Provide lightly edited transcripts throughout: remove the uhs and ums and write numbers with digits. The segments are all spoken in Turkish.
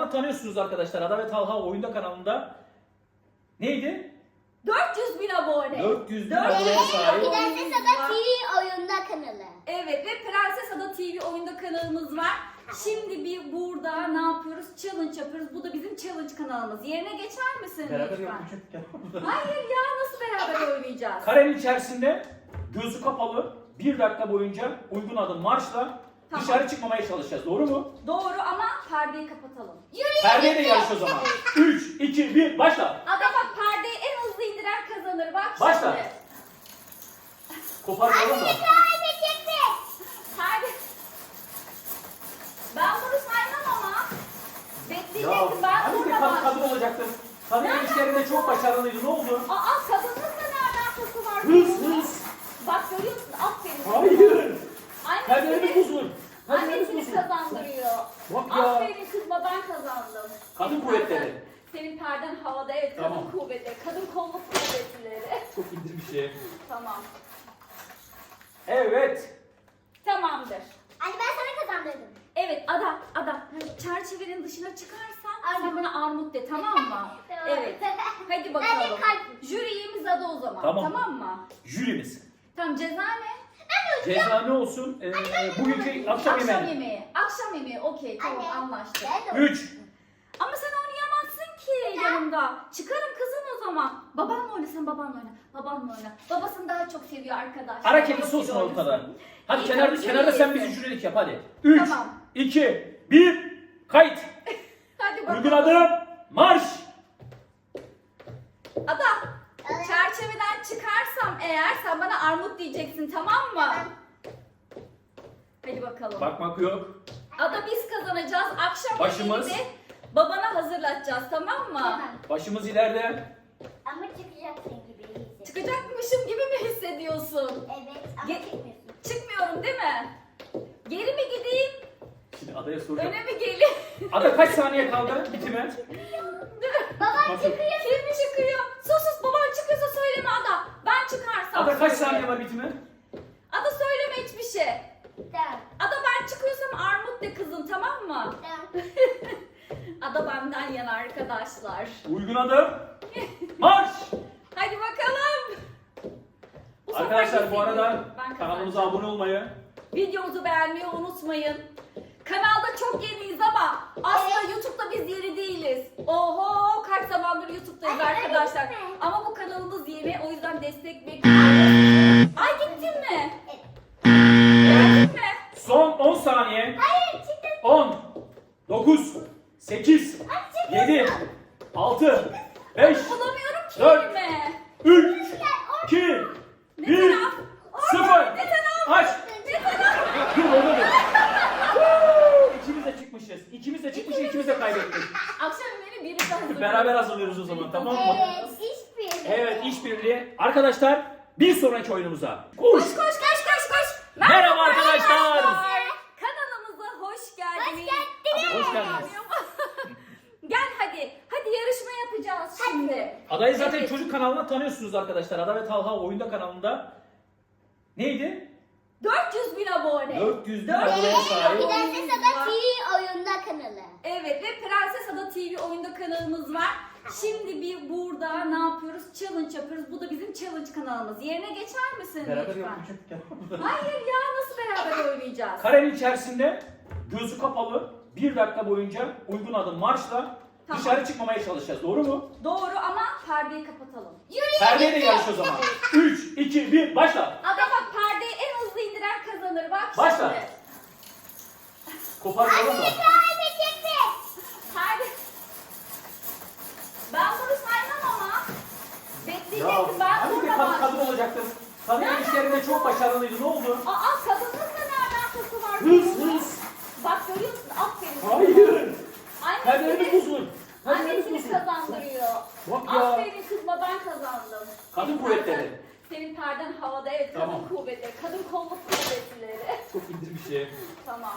kanalından tanıyorsunuz arkadaşlar. Ada ve Talha Oyunda kanalında. Neydi? 400 bin abone. 400 bin aboneye sahip. Prenses Ada TV oyunda kanalı. Evet ve Prenses Ada TV oyunda kanalımız var. Şimdi bir burada ne yapıyoruz? Challenge yapıyoruz. Bu da bizim challenge kanalımız. Yerine geçer misin Beraber lütfen? yapacağız. Hayır ya, nasıl beraber oynayacağız? Karenin içerisinde gözü kapalı 1 dakika boyunca uygun adım marşla Tamam. dışarı çıkmamaya çalışacağız. Doğru mu? Doğru ama perdeyi kapatalım. Perdeye de yarış o zaman. 3, 2, 1 başla. Ada bak, perdeyi en hızlı indiren kazanır. Bak Başla. şimdi. Kopartalım da. Perde. Ben bunu saymam ama. Ya Bekleyeceksin, ben hani bir burada var. kadın olacaktın. Kadın işlerinde çok başarılıydı. Ne oldu? Aa, kadınlıkla ne alakası var? Hız. Bak görüyorsun, aferin. Hayır. Anne Perdeleri seni, bozun. anne Perdeleri seni bozun. kazandırıyor. Bak ya. Aferin kızma, ben kazandım. Kadın Senin kuvvetleri. perden- Senin perden havada, evet, kadın Tamam. kuvvetleri, kadın kolluk kuvvetleri. Çok indir bir şey. Tamam. Evet. Tamamdır. Anne ben sana kazandırdım. Evet Ada, çerçevenin dışına çıkarsan sen bana armut de, tamam mı? Tamam. Evet. Hadi Hadi bakalım. kalk. Jüri üyemiz Ada o zaman. Tamam. Tamam mı? Jürimiz. Tamam, ceza ne? Ceza ne olsun? Bugünkü akşam yemeği. Akşam yemeği. Okey, tamam, Anne. anlaştık. Ben de 3. Ama sen oynayamazsın ki yanımda. Çıkarım kızım o zaman. Babanla oyna, sen babanla oyna. Babanla oyna. Babasını daha çok seviyor arkadaşlar. Ara kedisi Babasıyla olsun oynasın. ortada. Hadi İyi, kenarda, tamam, kenarda sen jüri bizi üyesi. jürilik yap hadi. 3, Tamam. 2, 1, kayıt. Hadi bakalım. Uygun adım marş. Ada, çerçeveden çıkarsam eğer sen bana armut diyeceksin, tamam mı? Hadi bakalım. Bakmak yok. Ada, biz kazanacağız. Akşam Başımız. yemeğini de babana hazırlatacağız, tamam mı? Tamam. Başımız ileride. Ama çıkacaksın gibi hissediyorum. Çıkacakmışım gibi mi hissediyorsun? Evet ama Ge- çıkmıyorsun. Çıkmıyorum değil mi? Geri mi gideyim? Şimdi adaya soracağım. Öne mi geleyim? Ada kaç saniye kaldı bitime? Baban Nasıl? çıkıyor. Kim çıkıyor? Sus, baban çıkıyorsa söyleme Ada. Ben çıkarsam Ada kaç söyle. saniye var bitime? Ada söyleme hiçbir şey. Tamam. Ada, ben çıkıyorsam armut de kızım, tamam mı? Tamam. Ada benden yana arkadaşlar. Uygun adım marş. Hadi bakalım. Bu sefer Arkadaşlar bu arada hissediyorum. Ben kanalımıza kazanacağım. abone olmayı, Videomuzu beğenmeyi unutmayın. Kanalda çok yeniyiz ama aslında YouTube'da biz yeni değiliz. Oho, kaç zamandır YouTube'dayız Ay, arkadaşlar. öyle mi? Ama bu kanalımız yeni, o yüzden destek bekliyoruz. Ay, gittin mi? Geldin mi? son 10 saniye. Hayır çıktı. 10, 9, 8, 7, 6, 5, Bulamıyorum ki Dört. elimi. 3, 2, Ne 1, taraf? 0. Ne taraf? Aç. Ne taraf? Dur orada dur. İkimiz de çıkmışız. İkimiz de çıkmışız, ikimiz de kaybettik. Akşam yemeğini birlikte hazırlıyoruz. Beraber hazırlıyoruz o zaman, tamam mı? Evet hiçbir. Evet, işbirliği. Arkadaşlar, bir sonraki oyunumuza. Koş koş koş koş koş. Merhaba arkadaşlar. Kanalımıza hoş geldiniz. Hoş geldiniz. Gel hadi. Hadi yarışma yapacağız şimdi. Adayı zaten Evet. çocuk kanalından tanıyorsunuz arkadaşlar. Ada ve Talha Oyunda kanalında. Neydi? 400 bin abone. 400 bin 400 aboneye sahip. Prenses Ada TV oyunda kanalı. Evet ve Prenses Ada TV oyunda kanalımız var. Şimdi bir burada ne yapıyoruz? Challenge yapıyoruz. Bu da bizim challenge kanalımız. Yerine geçer misin Beraber lütfen? yapacağız. Hayır ya, nasıl beraber oynayacağız? Karenin içerisinde gözü kapalı 1 dakika boyunca uygun adım marşla Tamam. dışarı çıkmamaya çalışacağız. Doğru mu? Doğru ama perdeyi kapatalım. Perdeye de yarış o zaman. 3, 2, 1 başla. Ada bak, perdeyi en hızlı indiren kazanır. Bak Başla. şimdi. Kopartalım da. Perde. Ben bunu saymam ama. Ya Bekleyeceksin, ben hani bir burada var. kadın olacaktın. Kadın işlerinde çok başarılıydı. Ne oldu? Aa, kadınlıkla ne alakası var? Hız. Bak görüyorsun, aferin. Hayır. Anne Perdeleri seni, bozun. anne Perdeleri seni bozun. kazandırıyor. Bak ya. Aferin kızma, ben kazandım. Kadın Senin kuvvetleri. perden- Senin perden havada, evet, kadın Tamam. kuvvetleri, kadın kolluk kuvvetleri. Çok indir bir şey. Tamam.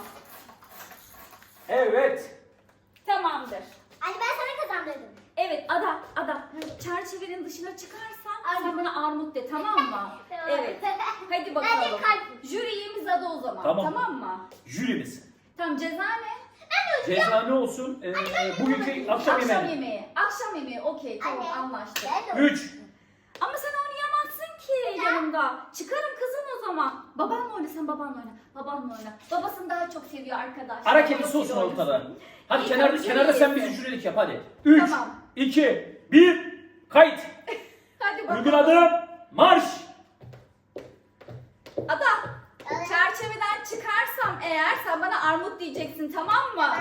Evet. Tamamdır. Anne ben sana kazandırdım. Evet Ada, çerçevenin dışına çıkarsan sen bana armut de, tamam mı? Tamam. Evet. Hadi bakalım. Hadi kalk. Jüri üyemiz Ada o zaman. Tamam. Tamam mı? Jürimiz. Tamam, ceza ne? Ceza ne olsun? Bugünkü akşam yemeği. Akşam yemeği. Okey, tamam, Anne. anlaştık. Ben de 3. Ama sen oynayamazsın ki yanımda. Çıkarım kızım o zaman. Babanla oyna, sen babanla oyna. Babanla oyna. Babasını daha çok seviyor arkadaşlar. Ara kedisi olsun ortada. Hadi İyi, kenarda hadi sen yesin. bizi şuraya yap hadi. 3, Tamam. 2, 1, kayıt. Hadi bakalım. Uygun adım, marş. Ada, çerçeveden çıkarsam eğer sen bana armut diyeceksin, tamam mı?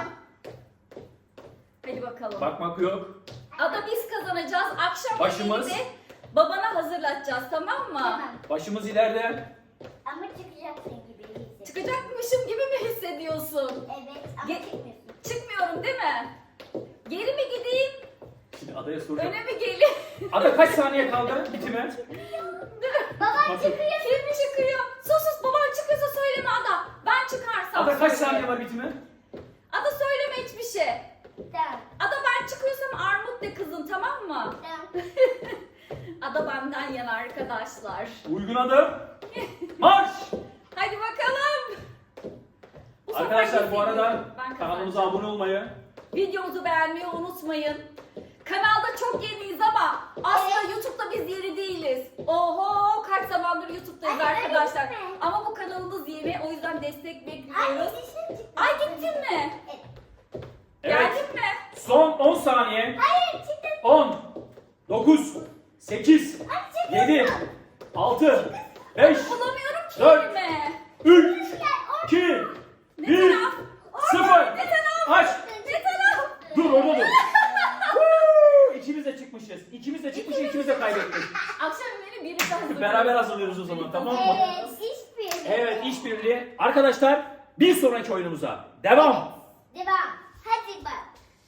Hadi bakalım. Bakmak yok. Ada, biz kazanacağız. Akşam Başımız. yemeğini de babana hazırlatacağız, tamam mı? Tamam. Başımız ileride. Ama çıkacaksın gibi hissediyorum. Çıkacakmışım gibi mi hissediyorsun? Evet ama çıkmıyorsun. Çıkmıyorum değil mi? Geri mi gideyim, Şimdi adaya soracağım. öne mi geleyim? Ada kaç saniye kaldı bitime? Baban Nasıl? çıkıyor. Kim çıkıyor? Sus, baban çıkıyorsa söyleme Ada. Ben çıkarsam Ada kaç söyle. saniye var bitime? Ada, söyleme hiçbir şey. Tamam. Ada, ben çıkıyorsam armut de kızım, tamam mı? Tamam. Ada benden yana arkadaşlar. Uygun adım, marş. Hadi bakalım. Bu sefer Arkadaşlar bu arada kesin ben kanalımıza kazanacağım. abone olmayı, Videomuzu beğenmeyi unutmayın. Kanalda çok yeniyiz ama aslında YouTube'da biz yeni değiliz. Oho, kaç zamandır YouTube'dayız Ay, arkadaşlar. öyle mi? Ama bu kanalımız yeni, o yüzden destek Ay bekliyoruz. dişim çıktı. Ay, gittin mi? evet, Geldin mi? son 10 saniye. Hayır çıktı. 10, 9, 8, 7, 6, 5, Bulamıyorum ki 4, elimi. 3, 2, Ne 1, taraf? 0. Ne taraf? Aç. Ne taraf? Dur orada dur. Woo! İkimiz de çıkmışız. İkimiz de çıkmışız, ikimiz de kaybettik. Akşam yemeğini birlikte hazırlıyoruz. Beraber hazırlıyoruz o zaman, tamam mı? Evet hiçbir. Evet, işbirliği. Arkadaşlar, bir sonraki oyunumuza devam. Devam. Hadi bak.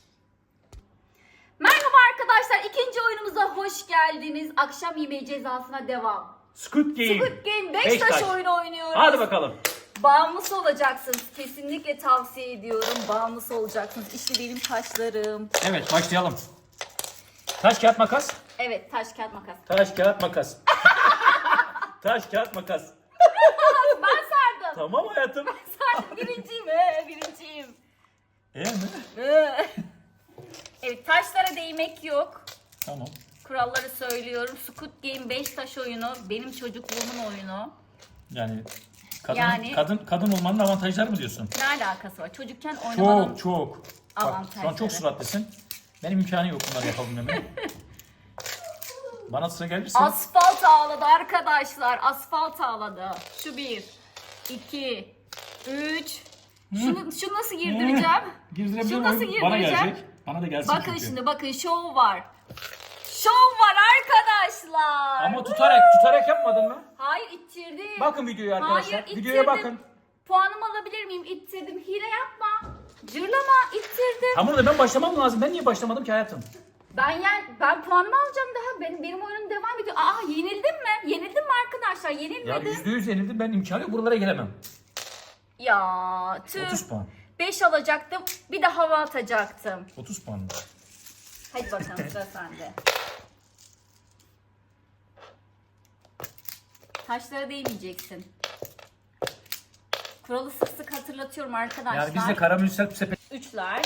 Merhaba arkadaşlar, ikinci oyunumuza hoş geldiniz. Akşam yemeği cezasına devam. Squid Game. Squid Game 5 Beş taş taş. oyunu oynuyoruz. Hadi bakalım. Bağımlısı olacaksınız. Kesinlikle tavsiye ediyorum. Bağımlısı olacaksınız. İşte benim taşlarım. Evet, başlayalım. Taş, kağıt, makas. Evet, taş kağıt makas. Taş, kağıt, makas. Taş, kağıt, makas. Ben sardım. Tamam hayatım. Sardım. Birinciyim. Birinciyim. Mi? Evet, taşlara değmek yok. Tamam. Kuralları söylüyorum. Squid Game 5 taş oyunu. Benim çocukluğumun oyunu. Yani kadın olmanın avantajları mı diyorsun? Ne alakası var? Çocukken oynamanın Çok. Bak, şu an avantajları. çok süratlisin. Benim imkanı yok bunları yapabilmemin. Bana sıra gelirse. Asfalt ağladı arkadaşlar. Asfalt ağladı. Şu 1, 2, 3. Şunu nasıl girdireceğim? Girdirebilirim. Şunu nasıl Bana girdireceğim? gelecek. Bana da gelsin Bakın çünkü. şimdi, bakın şov var. Şov var arkadaşlar. Ama tutarak yapmadın mı? Hayır, ittirdim. Bakın videoya arkadaşlar. Hayır, Videoya ittirdim. bakın. Puanımı alabilir miyim? İttirdim. Hile yapma. Cırlama, ittirdim. Tamam da ben başlamam lazım. Ben niye başlamadım ki hayatım? Ben puanımı alacağım daha. Benim oyunum devam ediyor. Aa, yenildim mi? Yenildim mi arkadaşlar? Ya Yenilmedim. %100 yenildim. Ben imkanı yok. Buralara gelemem. Ya tüh. 30 puan. 5 alacaktım. Bir de hava atacaktım. 30 puan. Hadi bakalım, sıra sende. Taşlara değmeyeceksin. Kuralı sık sık hatırlatıyorum arkadaşlar. Yani biz de karamürsel sepet Üçler.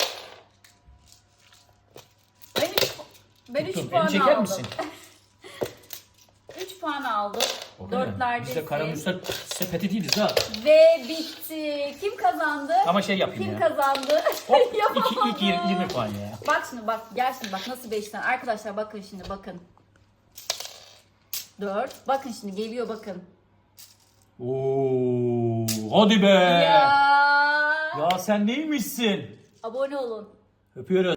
Ben 3 tuttum. puan Beni çeker aldım. misin? 3 puan aldım. Biz Dörtlerdesin. de karamürsel sepeti değiliz ha. Ve bitti. Kim kazandı? Ama şey yapayım Kim ya. kazandı? Hop, Yapamadım. 2 20 puan ya. Bak şimdi, bak gel şimdi, bak nasıl 5'ten. Arkadaşlar bakın şimdi, bakın. 4. Bakın şimdi geliyor, bakın. Oo, hadi be. Ya. Ya sen neymişsin? Abone olun. Öpüyoruz.